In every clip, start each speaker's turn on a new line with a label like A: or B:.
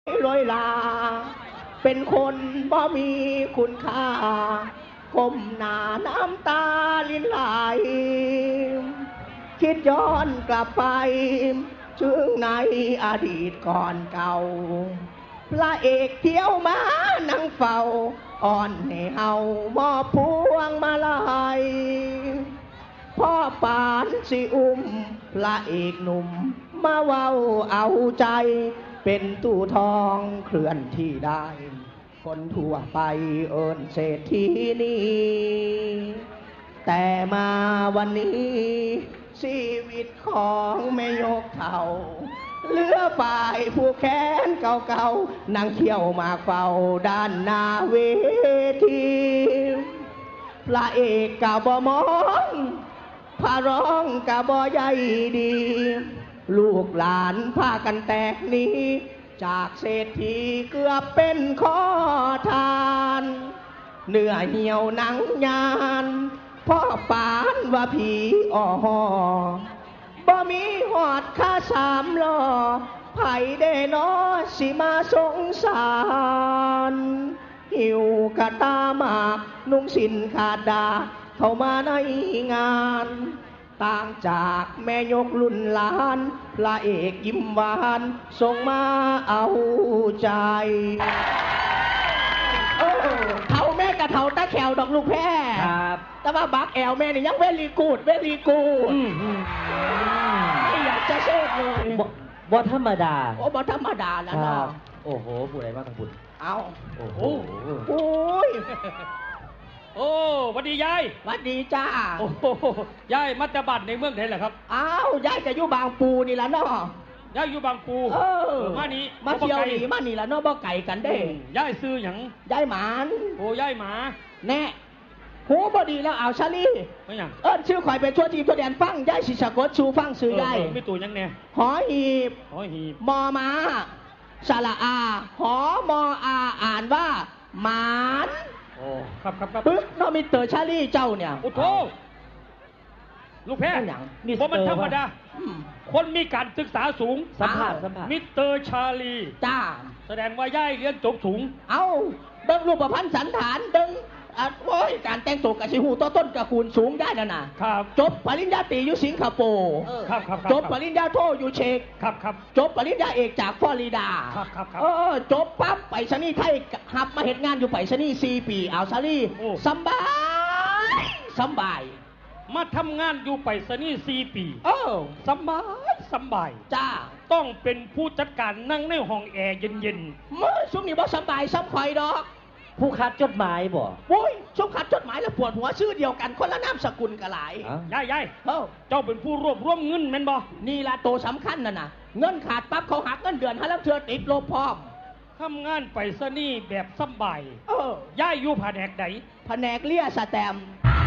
A: ลอยลาเป็นคนบ่มีคุณค่าก้มหน้าน้ำตาลินไหลคิดย้อนกลับไปถึงในอดีตก่อนเก่าพระเอกเที่ยวมานั่งเฝ้าอ่อนให้เฮามอบพวงมาลัยพ่อปานสิอุ้มพระเอกหนุ่มมาเว้าเอาใจเป็นตู้ทองเคลื่อนที่ได้ คนทั่วไปเอิ้นเศรษฐีนี้แต่มาวันนี้ชีวิตของแม่ยกเท่าเหลือฝ่ายผู้แค้นเก่าๆนั่งเที่ยวมาเฝ้าด้านหน้าเวทีพระเอกกะบ่มองพระร้องกะบ่ใยดีลูกหลานพากันแตกหนีจากเศรษฐีเกือบเป็นขอทานเนื้อเหี่ยวหนังยานพ่อปานว่าผีอ่อบ่มีหอดค่าสามล้อไผได้นอสิมาสงสารหิวกะตาหมากนุ่งสินขาดดาเข้ามาในงานต่างจากแม่ยกรุ่นหลานพระเอกยิ้มหวานส่งมาเอาใจเท่าแม่กะเท่าตาแขวดอกลูกแพ้
B: ครับ
A: แต่ว่าบักแอลแม่นี่ยังเวลีกูดไม่อยากจะเชื่อเลย
B: บ่ธรรมดา
A: โอ้บ่ธรรมดาแล้วเนาะ
B: โอ้โหผู้ใดมาทางบุญ
A: เอา
B: โอ้โห
A: โอ้ย
C: โอ้สวัสดียาย
A: สวัสดีจ้า
C: โอ้ยายมัจจบัตในเมืองไทยเหรอครับ
A: อ้าวยายจะอยู่บางปูนี่ละเนาะ
C: ยายอยู่บางปูมานี่
A: มาเที่ยวนี่มานี่ละเนาะบ่ไก่กันเด้
C: ยายซื้อหยัง
A: ยายหมาน
C: โอ้ยายหมา
A: แน่หูบ่ดีแล้วเอาชาลี
C: ไม่หยัง
A: ชื่อข่อยไปทั่วทีทั่วแดนฟังยายสิสะกดชูฟังซื้อยาย
C: ไม่ตัวยังแน่
A: หอหีบมอม้าสระอาหอมออาอ่านว่าหมาน
C: โอ้ครับ
A: ปึ๊กน้องมิสเตอร์ชาลีเจ้าเนี่ย
C: โอ้โธ่ลูกแพ้เพราะมันธรรมดาคนมีการศึกษาสูง
B: สัมภาษณ์
C: มิสเตอร์ชาลี
A: จ้า
C: แสดงว่าย่ายเรียนจบสูง
A: เอาเบิ่งรูปพรรณสันฐานเบิ่งโอ้ยการแต่งตัวกับสิหูต้นตระกูลสูงได้นะครับจบปริญญาตรีอยู่สิงคโปร์
C: ครับ
A: จบปริญญาโทอยู่เชก
C: ครับ
A: จบปริญญาเอกจากฟลอริดา
C: ครับ
A: จบปั๊บไปชนีไทยหับมาเฮ็ดงานอยู่ไปชนี4 ปีเอาซาลี่สบาย
C: มาทำงานอยู่ไปชนี4 ปีสบาย
A: จ้า
C: ต้องเป็นผู้จัดการนั่งในห้องแอร์เย็น
A: ๆมื้อซุมนี่บ่สบายซ้ำข่อยดอก
B: ผู้คัดจดหมายบ่
A: โอ้ยชุบขัดจดหมายแล้วปวดหัวชื่อเดียวกันคนละนามสกุลกะหลาย
C: ยายเจ้าเป็นผู้รวบรวมเงินแม่นบ่
A: นี่ละโตสำคัญน่ะเงินขาดปั๊บเขาหักเงินเดือนให้แล้วเธอติดลบพร้อม
C: ทำงานไปซะนี่แบบสบายยายอยู่แผนกไหน
A: แผนกเลี้ยสแตม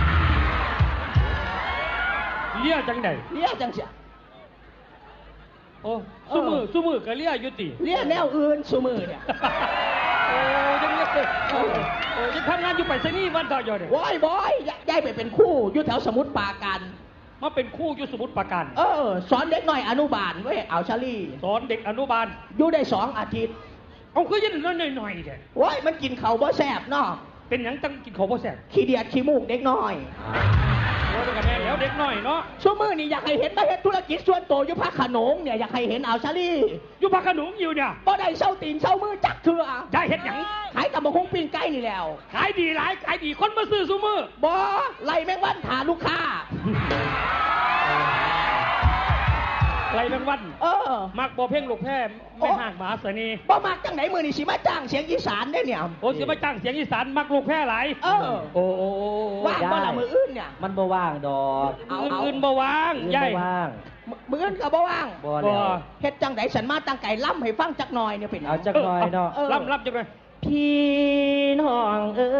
C: เลี้ยจังไหน
A: เลี้ยจังเสีย
C: โอ้ซุมือก็เลี้ยอยู่ติ
A: เลี้ยแนวอื่นซุมือเนี่ย
C: โอ้ยังเลี้ยโอ้ยังทำงานอยู่ไปซะนี่วันต่ออยู่เนี่ย
A: บอยย้ายไปเป็นคู่อยู่แถวสมุทรปราการ
C: มาเป็นคู่อยู่สมุทรปราการ
A: สอนเด็กหน่อยอนุบาลเว้ยเอาชาลี่
C: สอนเด็กอนุบาล
A: อยู่ได้2 อาทิตย์
C: เอาคือยันน้อยๆเนี่ย
A: ว้ยมันกินข้าวบ่แซ่บเนาะ
C: เป็นหยังจังกินข้าวบ่แซ่บ
A: ขี้เดียดขี้มูกเด็กน้อย
C: โอ้กันแน่แล้วเด็กน้อยเนาะ
A: ชั่วมือนี่อยากให้เห็นมาเห็นธุรกิจส่วนตัวอยู่ภาคขนงเนี่ยอยากให้เห็นเอาชาลี่
C: อยู่ภาคขนงอยู่เนี่ย
A: บ่ได้เช่าตีนเช่ามือจักเถื่อ
C: ได้เห็นหยัง
A: ขายตำบักหุ่งปิ้งไก่นี่แล้ว
C: ขายดีหลายขายดีคนมาซื้อซุมือ
A: บ่ไล่แมงวันหาลูกค้า
C: ไรแมงวันมักบ่เพ่งลูกแพ้ไม่ห่างหมาเสนี
A: บ่มักจังไหนมือนี่สิมาจ้างเสียงอีสานได้เนี่ย
C: โอ้สิมาจ้างเสียงอีสานมักลูกแพ้หลาย
B: โอ้
A: ว่างบ่ละมืออื่นเนี่ย
B: มันบ่ว่างดอก
C: อื่นบ่ว่างใหญ่
A: มืออื่นก็บ่ว่าง
B: บ่
A: เฮ็ดจังไหนฉันมาตั้งไก่ล่ำให้ฟังจักหน่อยเนี่ยเป็น
B: เอาจักหน่อยเนาะ
C: ล่ำจังเลย
B: พี่น้อง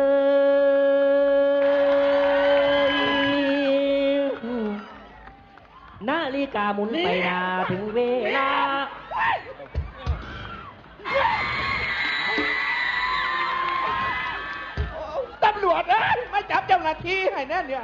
B: นาฬิกาหมุนไปนาถึงเวลา
A: ตำรวจมาจับเจ้าหน้าที่ให้แน่เนี่ย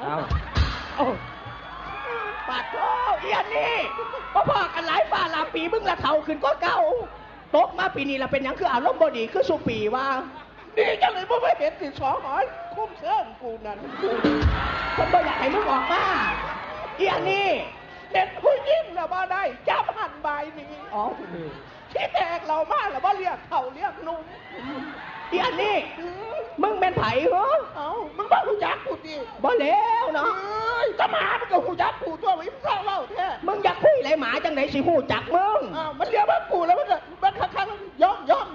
A: ปาดโธ่เอียนนี่พ่อกันหลายป่าหลายปีมึงละเท่าขึ้นก็เก่าตกมาปีนี้เราเป็นหยังคืออารมณ์บดีคือสุปีว่าดีจังเลยบ่ไม่เห็นสิสองหอยคุ้มเสื้อกูนั่นคนบ่อยากให้มึงออกมาอีอันนี้เด็ดผู้ยิ่งแล้วบ่ได้จับหันใบนี้อ๋อที่แตกเรามาแล้วบ่เรียกเขาเรียกนุ่มอีอันนี้มึงเป็นไผ่เหรอเอ้ามึงบ่รู้จักกูดิบ่แล้วเนาะจะหมามันก็รู้จักกูตัววิมเศร้าเล่าแท้มึงอยากคุยอะไรหมาจังไหนสิหูจักมึงอ้าวมันเรียกว่ากูแล้วมันครั้งย่อม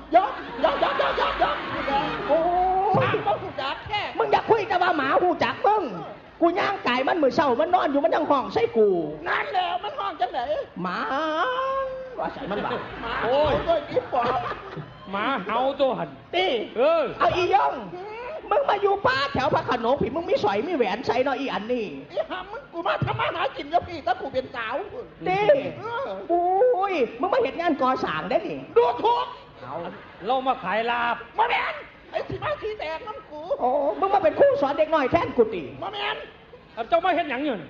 A: โอ้หมาบ่รู้จักแท้มึงอยากคุยแต่ว่าหมาหูจักมึงกูย่างไก่มันมือเศร้ามันนอนอยู่มันยังห้องใส่กูนั่นแล้วมันห้องจังไหนหมาว่าใส่มันบ้าโอ้ยด้วยกิ๊บปอบ
C: หมาเห่าตัวหัน
A: ตีเอาอีย่องมึงมาอยู่ป่าแถวพระโขนงผีมึงมีสอยมีแหวนใส่เนาะอีอันนี่อีหามึงกูมาทำมาหากินกับพี่ถ้ากูเป็นสาวตีอุ้ยมึงมาเห็นงานก่อสร้างได้ดิดูถูก
C: เรามาขายลาบ
A: มาแมนไอ้สีมาสีแดงน้ำกูโอ้มึงมาเป็นครูสอนเด็กน้อยแทนกูตีมาแมน
C: เจ้าไม่เห็นหยังอยู่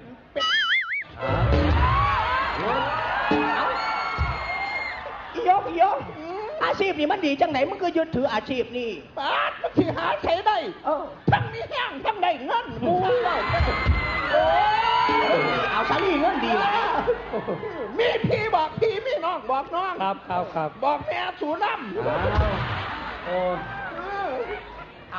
A: อียกอาชีพนี่มันดีจังไหนมึงก็ยึดถืออาชีพนี่ป้ามันสิหาใช้ได้ทั้งมีแห้งทั้งได้เงินมูเอาซะนี่เงินดีเลยมีพี่บอกพี่มีน้องบอกน้อง
C: ครับ
A: บอกแม่สูน้ำเอา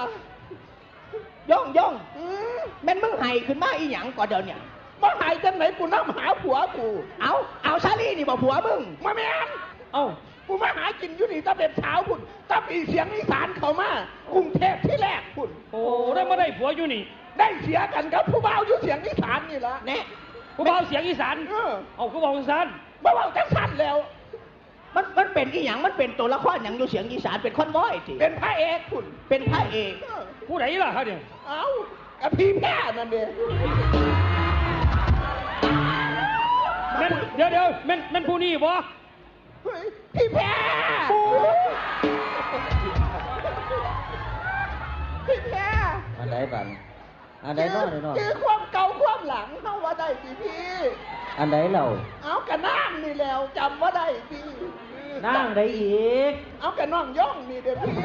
A: ย่องแม่นมึงไห้ขึ้นมาอีหยังก่อนเดี๋ยวเนี่ยมึงไห้จังไหนกูน้ำหาผัวกูเอาซะนี่นี่บอกผัวมึงมาแม่นกูมาหากินอยู่นี่ตะเป็นเช้าคุณตะปีเสียงอีสานเขามากรุงเทพที่แรกคุณ
C: โอ้ได้มาได้ผัวอยู่นี่
A: ได้เสียกันครับผู้บ่าวอยู่เสียงอีสานนี่ละ
C: เนี่ยผู้บ่าวเสียงอีสานเอาผู้บ่าวอีสาน
A: บ่าวจังสันแล้วมันเป็นอีหยังมันเป็นตัวละครอย่างอยู่เสียงอีสานเป็นคอนวอยสิเป็นพระเอกคุณเป็นพระเอก
C: ผู้ไหนล่ะครับเนี่ย
A: กับพี่แพ้นั่นเอง
C: เดี๋ยวมันผู้นี้บ่
A: พี่แพ้พี่แพ้
B: อันไหนบ้างอันไหนน้อย
A: คือความเก่าความหลังเข้าว่าได้พี่
B: อันไหนเรา
A: เอากระนั่งนี่แล้วจำว่าได้พี่
B: นั่งได้อีก
A: เอากระน่องย่องนี่เดี๋ยวพี่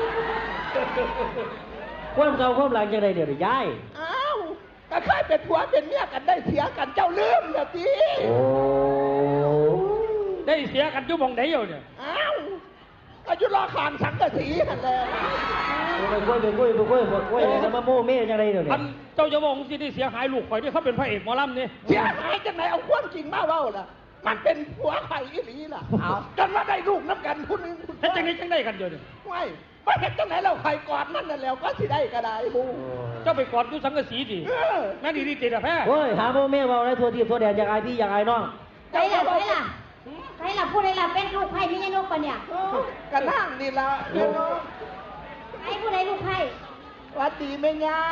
B: ความเก่าความหลังจะได้เดี๋ยวย้าย
A: ก็เคยเป็นผัวเป็นเมียกันได้เสียกันเจ้าลืมนะพี่
B: โอ้
C: ได้เสียกันอยู่มองไหนอยู่เนี่ย
A: อายุรอขานสังกะสีกันแล้ว
B: ไปคุยแล้วมาโม่เม่ยังไงเดี๋ยวนี้
C: เจ้าจะมองสิที่เสียหายลูกข่อยที่เขาเป็นพระเอกหมอลำนี่
A: เสียหายจังไหนเอาความจริงมาเล่าล่ะมันเป็นผัวไข่อีหลีล่ะกันว่าได้ลูกน้ำกันคุณ
C: จังได้กันอยู่เนี่ย
A: ไม่เห็นจังไหนเราไข่กอดนั่นน่ะแล้วก็สิได้ก็ได้บู
C: เจ้าไปกอดดูสังกะสีดิแม่ดีติดอะแพ้
B: โอ้ยหาโม่เม่เบาได้ทัวทีทัวแดนอย่างไรพี่อย่างไรน้อง
D: ใครล่ะพูดอะไรล่ะเป็นลูกไผ่พี่ยนกปะเนี่ย
A: กระนั่งนี่ละ
D: ไอ้พูดอะไรลูกไผ่
A: วัดดีไหมยา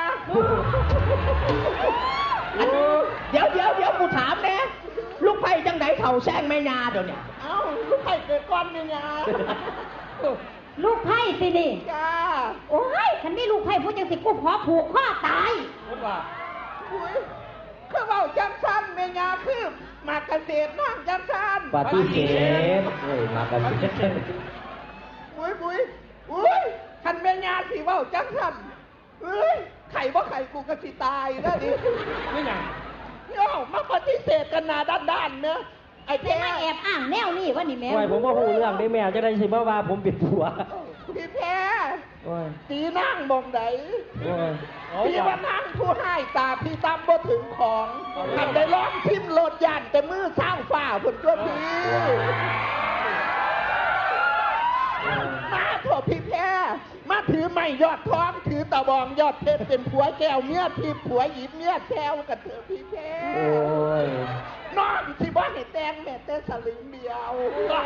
A: เดี๋ยวกูถามแน่ลูกไผ่จังไหนเข่าแซงแม่ยาเดี๋ยวเนี่ยลูกไผ่เกิดก้อนแม่ยา
D: ลูกไผ่สินี่
A: จ้า
D: โอ้ยฉันไม่ลูกไผ่พูดจังสิกูขอผูกข้อตาย
C: พูดว่า
A: คือเบาจังสันแม่ยาคือมาเกษตรนั่งจังสัน
B: ปฏิเสธมาเกษตร
A: อุ้ยคันแม่ยาสิเบาจังสันไข่บ่ไข่กูก็สิตายนะดิ
C: ไม่ไง
A: มาปฏิเสธกันหน้าด้านเนอะไอ้แพ้
D: แอบอ้างแนวนี่วะนี่แม่
B: ผมว่าหูเรื่องได้แม่จะได้สิว่าผมเป็นผัว
A: พี่แพ้ตีนั่งมองไหนพี่ว่านั่งผู้ให้ตาพี่ตั้มบ่ถึงของทำได้ร้องทิมโลดยันแต่มือสร้างฝ่าผลตัวพี่มาเถอะพี่แพ้มาถือไม้ยอดท้องถือตะบองยอดเพชรเป็นผัวแก้วเมียที่ผัวหยิบเมียแก้วกันเถอะพี่แพ้นอนที่บ้านให้แตงแม่แต่สลึงเดียว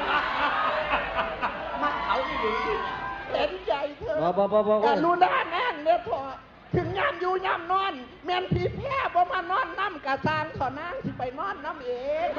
A: มาเขาดีเห็นใจเธอแต่รู้ด้านแน่นเนี่ยพอถึงยามอยู่ยามนอนแม่นพี่แพ้บ่มานอนน้ำกะซางขอนางสิไปนอนน้ำเอง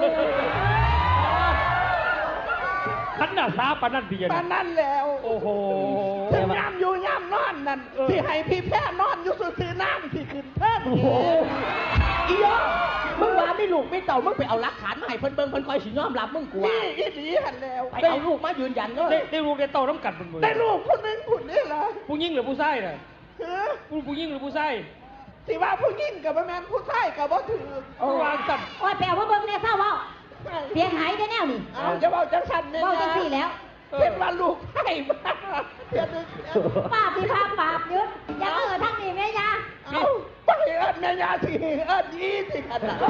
C: ขันหน้าซาปนั่นพี่
A: ปนั่นแล้ว
C: โอ้โห
A: ถึงยามอยู่ยามนอนนั่นที่ให้พี่แพ้นอนอยู่ซื่อน้ำที่ขึ้นเพิ่มอียมึงว่าไม่รู้ลูกไม่เต่ามึงไปเอาหลักฐานมาให้เพิ่นเบิ่งเพิ่นคอยสิยอมรับมึงกว่านี่อีหลีหันแล้วไปเอาลูกมายืนยันเนาะ
C: ได้ลูกได้เต่าน้ำกัดมันมือ
A: ได้ลูกคนนึงคนนี้ล่ะ
C: ผู้หญิงหรือผู้ชายน่ะผู้หญิงหรือผู้ชาย
A: สิว่าผู้หญิงกับบ่แม่นผู้ชายกับบ่ถือ
C: วางสั่น
D: โอ้ยแปลว่าเบิ่งเนี่ยเศร้าเว้าเสียงหายได้แนวนี่
A: เอาจะเว้าจังซั่นเนี่ย
D: เว้าจังซี่แล้ว
A: เป็นว่าลูกให้มาเดี๋ยวนึง
D: ป้าพี่พาปราบยึดอย่าทั้งนี้แม่ยา
A: เอาไปเอิ้นแม่ยาสิเอิ้นอีสิขนาด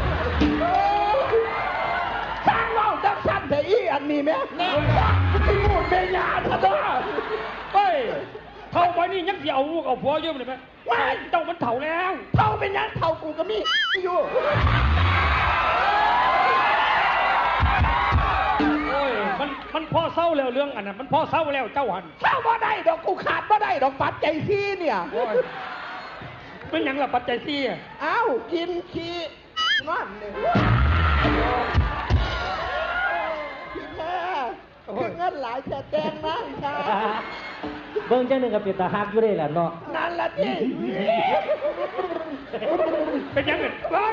A: สร้างเว้าจังซั่นแต่อีอันนี้แม่ที่พูดแม่ยาซะเด้อ
C: เฮ้ยเท่าไปนี่ยังสิเอาลูกเอาผัวเยอะเลยไหม
A: ไม่
C: เจ้ามันเถ่าแล้ว
A: เท่าเป็นยังเท่ากูก็มีอยู่
C: โอ้ยมันพอเศร้าแล้วเรื่องอันนั้นมันพอเศร้าแล้วเจ้าหัน
A: เศร้าบ่ได้ดอกกูขาดบ่ได้ดอกปัจจัยซี่เนี่ย
C: เป็นยังล่ะปัจจัยซี่
A: อ้าวกินขี้นั่นเลยพี่แม่คือเงินหลายแต่แดงนะค่ะ
B: เบิ่งจังหนึ่งกับเป็นตาฮักอยู่ได้แหละเนาะ
A: นั่นละจี
C: เป็นยังไง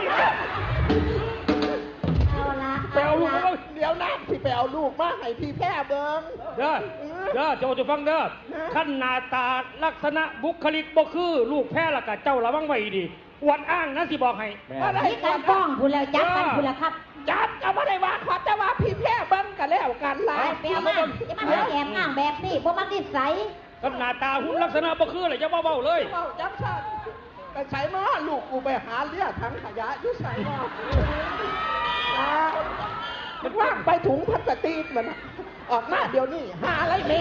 A: ไปเอาลูกเดี๋ยวน้ำที่ไปเอาลูกมาให้พี่แพ้เบิ้ง
C: เด้อจะฟังเด้อขั้นหน้าตาลักษณะบุคลิกบ่คือลูกแพ้ละกะเจ้าระวังไว้ดีวันอ้างนะสิบอกให้
D: นี่การฟ้องคุณแล้วจับกันคุณแล้วครับ
A: จับก็ไม่ได้ว่าขอจะว่าพี่แพ้เบิ้งกันแล้วกันละ
D: ไปเอามาจะมาแอบอ้างแบบนี้พวกมันนิสัย
C: กับหน้าตาหุ่นลักษณะบ่คือเลยจะเบาๆเลย
A: จับฉันไปใส่มาลูกกูไปหาเลี้ยทั้งขยะยุ่ใส่มามันว่างไปถุงพลาสติกมันออกมาเดี๋ยวนี้หาอะไรแม่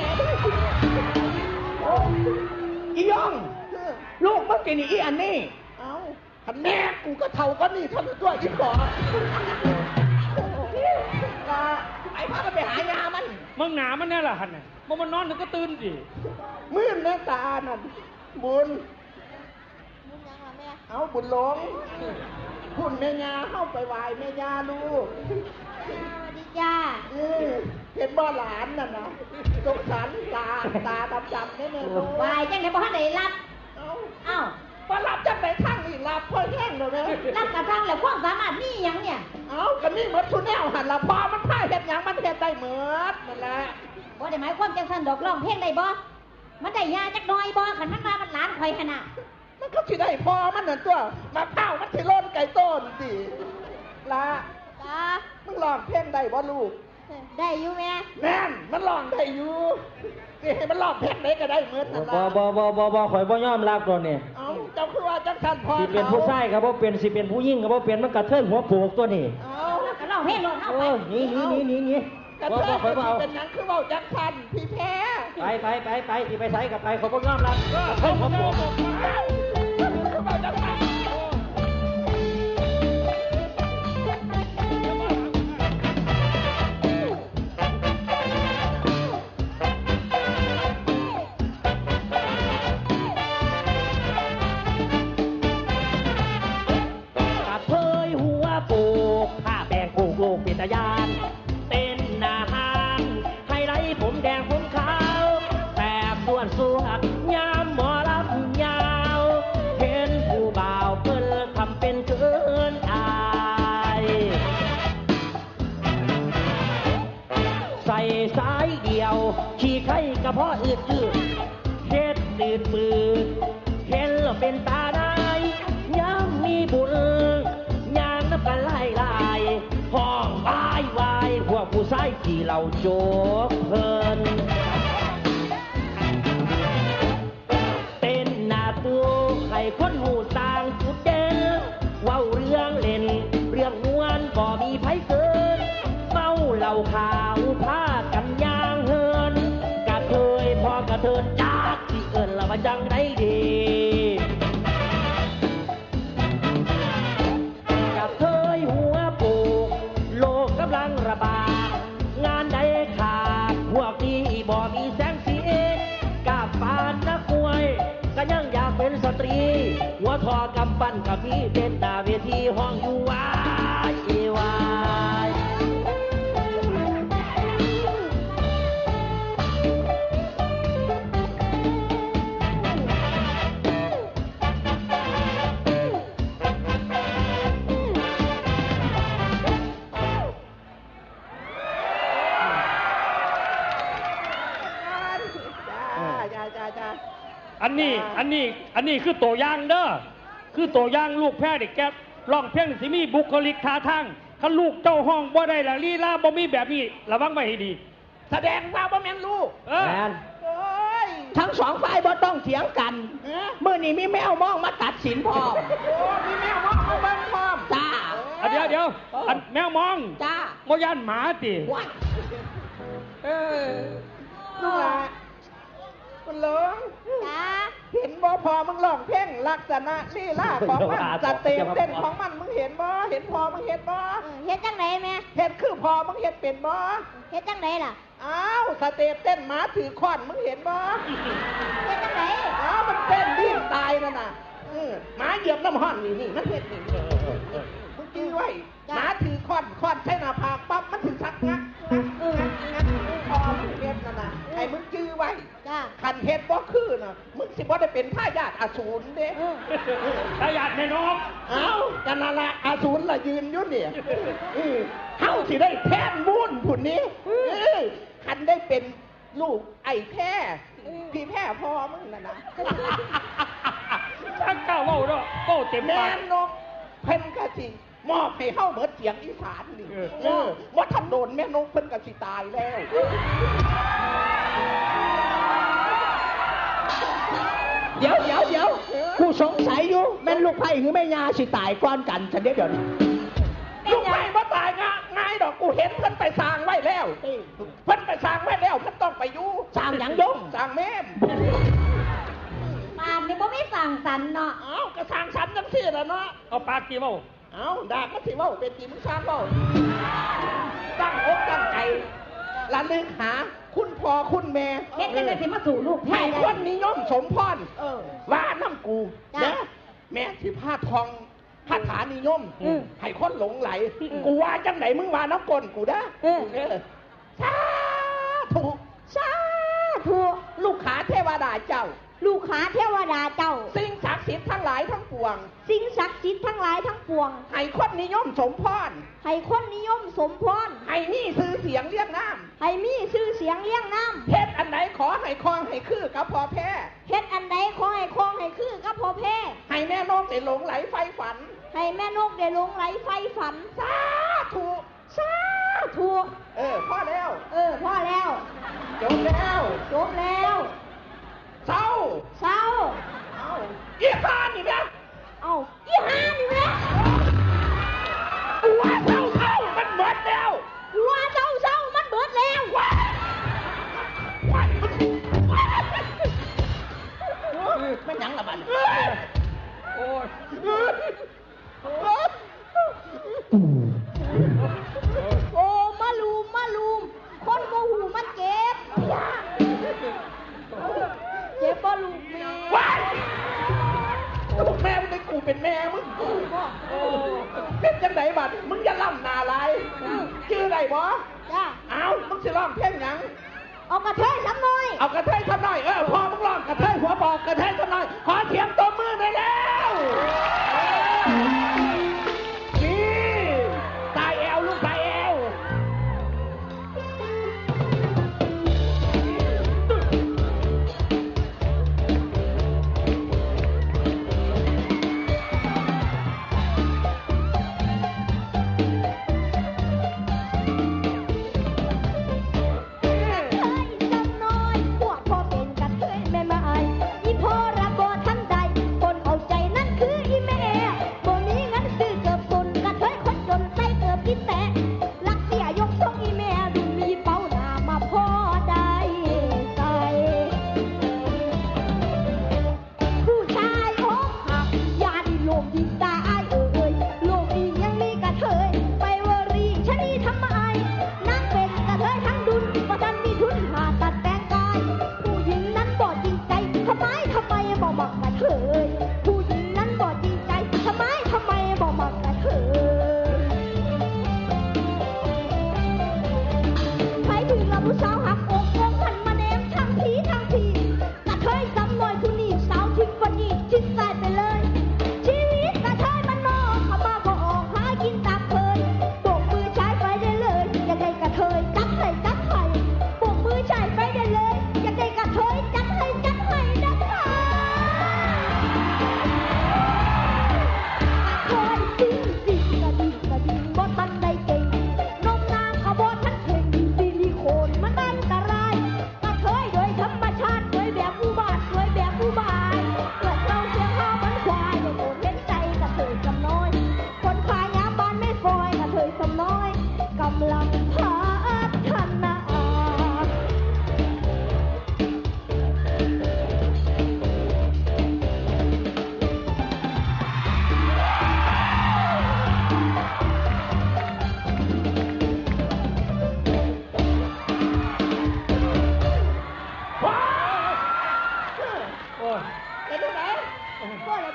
A: อีย่องลูกเมื่อกี้นี่อีอันนี้เอ้าท่านแม่กูก็เท่ากันนี่ท่านด้วยยิ่งกว่าไอ้พากันไปหายามัน
C: มึงหนามันแน่ละหันน่ะมันนอนถึงก็ตื่นสิ
A: มื่นแม่ตานั่นบุญเอาบุญหลงพุ่นแม่ยาเข้าไปไหว้แม่ยาลูก
D: ดีจ้า
A: เห็นบ่หลานนั่นนะสงสารตาดำๆนี่เลยลูก
D: ไหว้จังไหนบ่ทันได้รับเอ้า
A: บ่รับจังไหนทั้งนี่รับเพิ่นแห้งเลย
D: รับกระทั่งแล้วความสามารถนี่ยังเนี่ย
A: เอากันนี่เหมือนทุนแนวหันละพอมันพ่ายเห็ดหยังมันเห็ดได้เหมือนนั่นแหละ
D: บ่ได้หมายความจังซั่นดอกร้องเพลงได้บ่มันได้ยาจักหน่อยบ่คันมันมามันหลานข่อยขนาด
A: มันก็สิได้พอมันนั่นตัวมาข้าวมันสิล้นไก่ต้นสิละ
D: จ้า
A: มึงร้องเพลงได้บ่ลูก
D: ได้อยู่แม่
A: แม่นมันร้องได้อยู่นี่ให้มันร้องเพลงไหนก็ได้เหมือนนั่นล่ะ
B: บ่ข่อยบ่ยอมรับตัวนี่
A: เอ้าเจ้าคือว่าจังซั่นพอ
B: สิเป็นผู้ชายก็บ่เป็นสิเป็นผู้หญิงก็บ่เป็นมันกระเทิงหัวโปกตัวนี่
D: เอ้าก็ร้องเพลงลงเฮาไป
B: นี่
A: กระเทิงเป็นหยังคือเว้าจังซั่นพี่แพ้
B: ไปสิไปไสก็ไปเขาบ่ยอมรับกระเทิงหัวโปก
A: คือเว้าจังซั่น
B: เป็นตายานเต้นหน้าห้างไฮไลท์ผมแดงผมขาวแต่ส่วนยามหมอลำยาวเห็นผู้บ่าวเพิ่นทำเป็นเกินอายใส่สายเดียวขี่ไข่กระเพาะอืดเฮ็ดตืดมือเห็นแล้วเป็นตาได้ยามมีบุญยามนับกันไล่ห้องวายพวกผู้ชายที่เราโจกเพลินเต้นหน้าตู้ให้คนหูต่างจุดเด่นเว้าเรื่องเล่นเรื่องม้วนก็มีไผเกินเมาเหล้าขาวพากันย่างเฮินกระเทยพอกระเทินจากที่เอิ้นละว่าจังไดดีระบาดงานใดขาดพวกนี้บ่มีแสงสีกาบปานนักมวยก็ยังอยากเป็นสตรีหัวทอกำปั้นกับพี่เต้นหน้าเวทีห้องอยู่วาย
A: จ้า
C: อันนี้คือตัวอย่างเด้อคือตัวอย่างลูกแพ้เด็กแกร้องเพลงสิมีบุคลิกท่าทางถ้าลูกเจ้าห้องบ่ได้ละลีลาบ่มีแบบนี้ระวังไว้ให้ดี
A: แสดงว่าบ่แม่นลูก
B: แม่น
A: ทั้งสองฝ่ายบ่ต้องเถียงกันเมื่อนี้มีแมวมองมาตัดสินพ่อมีแมวมองมาเบิ่งพร้อมจ้า
C: เดี๋ยวอันแมวมอง
A: จ้า
C: บ่ย่านหมาติ
A: ลูกหลานคุณหลวง
D: จ้า
A: เห็นบ่พอมึงร้องเพลงลักษณะลีลาของมันจะเต้นของมันมึงเห็นบ่เห็นพอมึงเห็นบ่
D: เฮ็ดจังไหนแม่
A: เห็นคือพอมึงเห็นเป็นบ่
D: เฮ็ดจังไหนล่ะ
A: อ้าวสเต็ปเต้นหมาถือค้อนมึงเห็นบ่
D: เฮ็ดจังไหน
A: อ้าวมันเต้นดิ้นตายนั่นน่ะหมาเหยียบน้ำห้อนนี่มันเห็นนี่มึงจื้อไว้หมาถือค้อนใช้หน้าผากปั๊บมันถึงชักงักพอมึงเห็นนั่นน่ะไอ้มึงจื้อไว้คันเฮ็ดบ่คือน่ะมึงสิบ่ได้เป็นทายาทอสูรเด้
C: ทายาทแม่นก
A: เอ้ากันนั่นล่ะอสูรล่ะยืนอยู่เนี่ยเฮาสิได้แทนบุญพุ่นนี้คันได้เป็นลูกไอ้แพ้พี่แพ้พ่อมึงน่ะนะ
C: ช่างกล้าเว้าเนาะโตเต็มปาก
A: แม่นกเพิ่นก็สิมอบให้เฮาเบิดเสียงอีสานนี่ว่าท่านโดนแม่นกเพิ่นก็สิตายแล้วเดี๋ยวกูสงสัยอยู่แม่นลูกไผ่หรือแม่ยาสิตายก่อนกันฉันเดี๋ยวนี้ลูกไผ่บ่ตายง่ายดอกกูเห็นเพิ่นไปสร้างไว้แล้วเพิ่นไปสร้างไว้แล้วเพิ่นต้องไปอยู่สร้างหยังยงสร้างแม่ม
D: ปานนี่บ่มีสั่งสรรค์เนาะ
A: เอ้าก็สร้างสรรค์จังซี่ล่ะเนาะ
C: เอาปากกี่เว้า
A: เอ้าดากมันสิเว้าเป็นจริงมึงสร้างเว้าตั้งอกตั้งใจระลึกหาคุณพ่อคุณแม่
D: เฮ็ดจังได๋สิมาสู่ลูกแท้
A: คนนิยมสมพรว่าน้ำกูนะแม่สิพาทองคาถานิยมให้คนหลงไหลกูว่าจังไหนมึงว่าน้ำกลกูนะสาธุลูกขาเทวดาเจ้า
D: ลูกขาเทวดาเจ้า
A: สิ่งศักดิ์สิทธิ์ทั้งหลายทั้งปวง
D: สิ่งศักดิ์สิทธิ์ทั้งหลายทั้งปวง
A: ให้คนนิยมสมพร
D: ให้คนนิยมสมพร
A: ให้มีชื่อเสียงเลี้ยงน้
D: ำให้มีชื่อเสียงเลี้ยงน้
A: ำเฮ็ดอันไหนขอให้คลองให้คือกับพ่อแพ้
D: เฮ็ดอันไหนขอให้คลองให้คือกับพ่อแพ้
A: ให้แม่นกได้หลงไหลไฟฝัน
D: ให้แม่นกได้หลงไหลไฟฝัน
A: สาธุพ่อแล้ว
D: พ่อแล้ว
A: จบแล้วเศร้าอีห่านี่แม่
D: อีห่านี่แม่
A: กูว่าเศร้ามันเบิดแล้ว
D: กูว่าเศร้ามันเบิดแล้ว
A: มันหยังละบัด
C: โอ้ย
D: โอ้มาลูมคนโมหูมันเจ็บบ่ลูกแม่
A: ลูกแม่มึงเป็นกูเป็นแม่มึงเป็นจังไหนบัดมึงอย่าล่ำนาลายชื่ออะไรบ่
D: จ้า
A: มึงสิร้องเพลงหยัง
D: เอากระเทยซ้ำหน่อย
A: เอากระเทยซ้ำหน่อยพอมึงร้องกระเทยหัวบอกกระเทยซ้ำหน่อยขอเสียงตบมือหน่อยแล้วนี่ตายแอวลูกตายแอว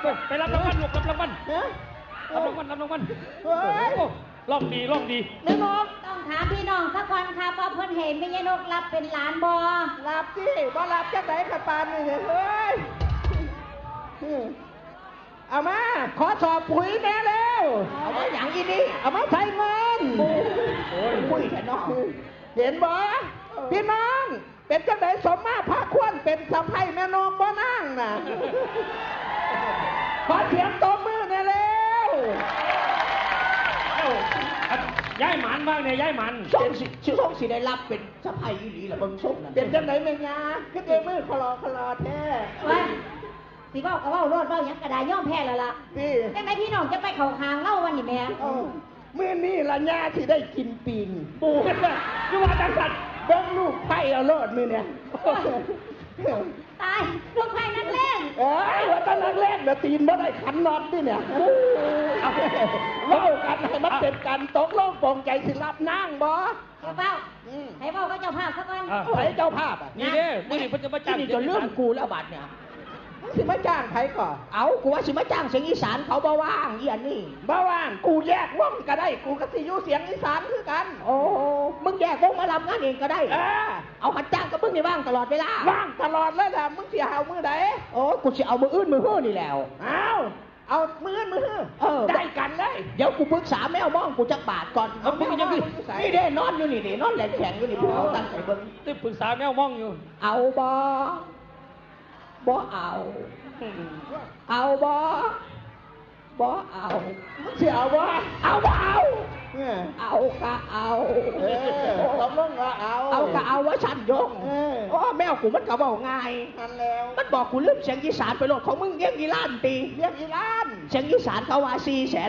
C: ไปรับรางวัลลูกรับรางวัล
A: ฮะ
C: รับรางวัลรับรางวัล
A: เฮ้ย
C: โอ้ร้องดีร้องดี
A: แม่นก
D: ต้องถามพี่น้องสักคนครับว่าเพิ่นเห็นแม่ยายนกรับเป็นหลานบ่
A: รับสิบ่รับจักไหนขัดปานนี่เฮ้ยเอามาขอสอบปุ๋ยแม่เร็วเอามาอย่างอีนี่เอามาใส่เงิน
C: โอ้ย
A: ปุ๋ยแค่นอกเห็นบ่พี่น้องเป็นจังไหนสมมาพระควรเป็นสะใภ้แม่นกบ่นั่งน่ะขอเสียงตบมือแน่เร็ว
C: เอ้าย้ายหมันบ้างเนี่ยย้ายหมัน
A: ช่วงสิได้รับเป็นสะใภ้อีหลีล่ะเบิ่งส้มน่ะเป็นจังไหนแม่งาคือเดมือคลอแท้
D: ว่าสิเว้าก็เว้ารอดเว้าหยังก็ได้ย่อมแพ้แล้วล่ะ
A: นี่
D: จังไดพี่น้องจะไปเข้าคางเล่าวันนี้แม่
A: มื้อนี้ละญาที่ได้กินปิง
C: ปูกันเลยคือว่าจังสัน
A: เบิ่งลูกไผ่เอาโลดมื้อเนี่ย
D: ตายลูกไผ่นักเล่น
A: เอ้ยว่าแตนักแรกเดี๋ยวตีนบ่ได้ขันน็อตนี่เนี่ยเอาเล่ากันให้มันเป็นกันตกลงปรงใจสิรับนางบ่
D: ให้เว้าให้เว้าก็เจ้าภาพซะก่อน
A: ไผเจ้าภาพอ่ะ
C: นี่เด้มื่อนี้เพิ่นจะมาจ้าง
A: นี่จะเรื่องกูแล้วบัดเนี่ยมึงสิมาจ้างไผก่อนเอากูว่าสิมาจ้างเสียงอีสานเขาบ่ว่างอีอันนี้บ่ว่างกูแยกวงก็ได้กูก็สิอยู่เสียงอีสานคือกันโอ้มึงแยกวงมารับงานเองก็ได้เอาหัดจ้างกับมึงนี่ว่างตลอดเวลาว่างตลอดเลยล่ะมึงสิเอามือใดโอ้กูสิเอามืออื่นมือฮื้อนี่แล้วเอามืออื่นมือฮื้อได้กันเลยเดี๋ยวกูปรึกษาแมวมองกูจักบาทก่อนเอามึงยังนี่เด้นอนอยู่นี่นอนแหลกแข็งอยู่นี่เอาตั้งใจเบิ่ง
C: ตึ้ปรึกษาแมวมองอยู่
A: เอาบ่เอา เอาบ่เอามึงสิเอาบ่เอาเอาก็เอาตกลงว่าเอาก็เอาว่าฉันยงโอ้แมวกูมันก็บอกง่ายมันบอกกูลืมเสียงอีสานไปโลดของมึงเลี้ยงอีล้านตีเลี้ยงอีล้านเสียงอีสานเขาว่า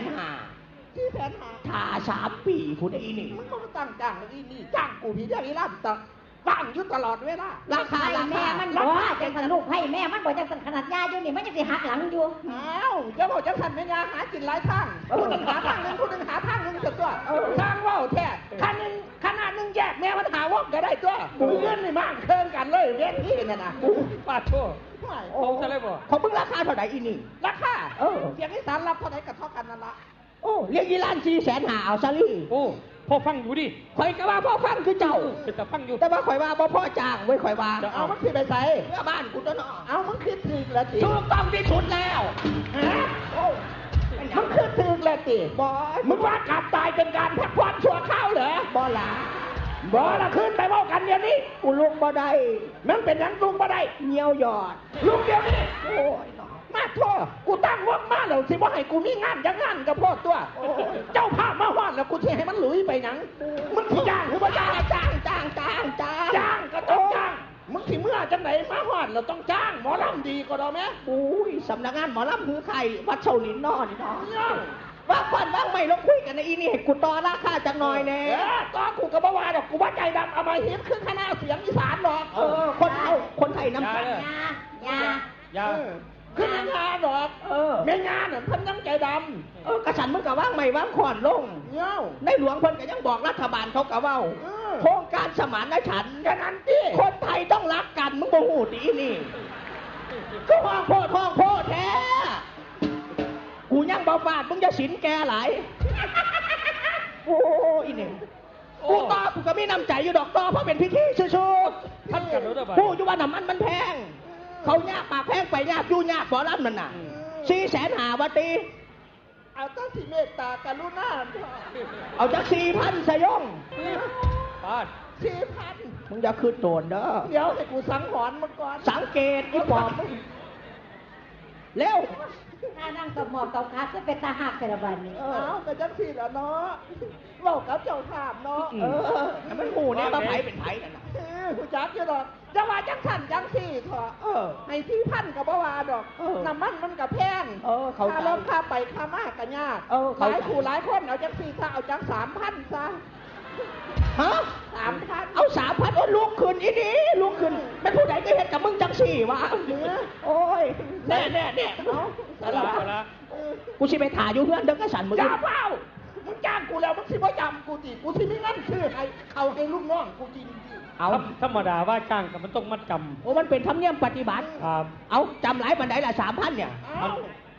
A: 450,000ถ้า3 ปีผู้ใดนี่มึงก็ตั้งจ้างอีนี่จ้างกูพี่เลี้ยงอีล้านตั้งอยู่ตลอดเวลาราคา
D: แม่มันบ่จังสันลูกไผ่แม่มันบ่จังสันขนาดยาอยู่นี่มันจังสิหักหลังอยู่
A: อ้าวจะบอกจังสันแม่ยาหากินหลายทางผู้หนึ่งหาทางหนึ่งผู้หนึ่งหาทางหนึ่งจะตัวทางว่าวแท้ขนาดหนึ่งแยกแม่มันหาว่องก็ได้ตัวกูเงินนี่มากเครื่องกันเลยเรียนที่นั่นนะ
C: ป้าโทษโอ้จะเลยบ่
A: เขาเพิ่งราคาเท่าไหร่อีนี่ราคาเสียงอีสานรับเท่าไหร่กับเท่ากันนั่นละโอ้เรียกอีล้าน450,000เอาซะลี่
C: โอ้พ่อฟังอยู่ดิ
A: ข่อยก็ว่าพ่อฟังคือเจ้า
C: เป็นแต่ฟังอยู่
A: แต่ว่าข่อยว่าพ่อจ้างไว้ข่อยว่าเอามันสิไปใส่เพื่อบ้านกูตัวเนาะเอามันคือถึกแล้วติถูกต้องที่สุดแล้วฮะมันคือถึกแล้วติบอมึงว่าการตายเป็นการพักผ่อนชั่วคราวเหรอบอละขึ้นไปบอกกันเดี๋ยวนี้กูลุกบ่ได้มันเป็นยังลุกบ่ได้เหี่ยวหยอดลุกเดี๋ยวนี้โอ้ยมาทั่วกูตั้งวงมาแล้วสิว่าให้กูมีงานจังงานกับพ่อตัวเจ้าภาพมาฮอดแล้วกูสิให้มันหลุยไปหนังมึงสิจ้างหรือว่าจ้างก็ต้องจ้างมึงสิเมื่อจังไหนมาฮอดเราต้องจ้างหมอลำดีก็ได้ไหมอุ้ยสำนักงานหมอลำคือใครวัดเฉาหลินนอนนี่เนาะว่าก่อนว่างไม่ลงคุยกันในอีนี่ให้กูต่อราคาจังหน่อยแน่ต่อกูกับบ่าวาดอกกูว่าใจดำเอามาเห็นคือคณะเสียงอีสานหรอกคนไทยน้ำกัน
D: ยา
A: ขึ้นงานดอกแม่งานน่ะเพิ่นยังใจดำกระสันมึงกะว่างไม่ว่างขอนลงในหลวงเพิ่นก็ยังบอกรัฐบาลเขากะเว้าโครงการสมานฉันท์กันนั้นที่คนไทยต้องรักกันมึงบ่ฮู้ดีนี่ก็ห้องโพดแท้กูยังบ่ฟาดมึงจะสินแกหลายโอ้อีนี่กูต่อกูก็มีน้ำใจอยู่ดอกต่อเพราะเป็นพิธีสู้ๆ
C: ท่านกันรู้ได้ป่ะ
A: ผู้อยู่ว่าน้ำมันแพงเขายากปากแพงไปยากยู่ยากบ่อรับมันน่ะ450,000วัตีเอาตั้งสิเมตตากรุณาเอาจาก4,000สยอง
C: ป้า
A: 4,000มึงอย่าคืนโดนเด้อเดี๋ยวให้กูสังหรณ์มันก่อนสังเกตอีปอบมึงเร็ว
D: ถ้านั่งตบหมอบตบขาจะเป็นตาหักแต่ละวันนี้
A: แต่จังสิแล้วเนาะบอกกับเจ้าภาพเนาะมันหูเนี่ยว่าไผเป็นไผนั่นน่ะกูจักอยู่ดอกจะว่าจังสั่นจังสี่เถอะให้4,000กับบ่ว่าดอกน้ำมันก็แพงค่ารถค่าไปค่ามากก็ยากหลายคู่หลายคนเอาจัง4ถ้าเอาจัง3,000ซะฮะ3,000เอา3,000โอ้ลุกขึ้นอีนี่ลุกขึ้นเป็นผู้ใดก็เฮ็ดกับมึงจังสี่วะโอ้ยแน่เอากูสิไปถ่ายอยู่เพื่อนเด้อกระสันมึงจ้าเปล่ามึงจ้างกูแล้วมึงสิบ่จำกูสิกูสิมีเงินซื้อให้เขาให้ลูกน้องกูจริง
C: เอาธรรมดาว่าจ้างกับมันต้องมัดจำ
A: โอ้มันเป็นธรรมเนียมปฏิบัติ
C: ครับ
A: เอาจำหลายปันไดละ3,000เนี่ย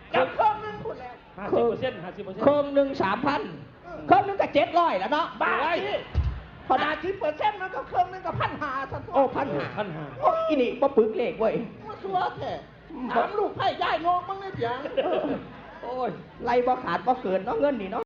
A: จับเครื่องนึงพูดแล้ว
C: 50%
A: เครื่องหนึ่ง3,000เครื่องหนึงก็700แล้วเนาะบ้าสิพอดา10%มันก็เครื่องหนึงก็1,500ซะโอ้1,500โอ้อีนี่บ่ปึกเลขเว้ย
E: มาสัวแท้ถามลูกไผ่ย่ายงอกมั้งเนี่ยเพียง
A: โอ้ยไล่บ่ขาดบ่เกินเนาะเงินนี่เนาะ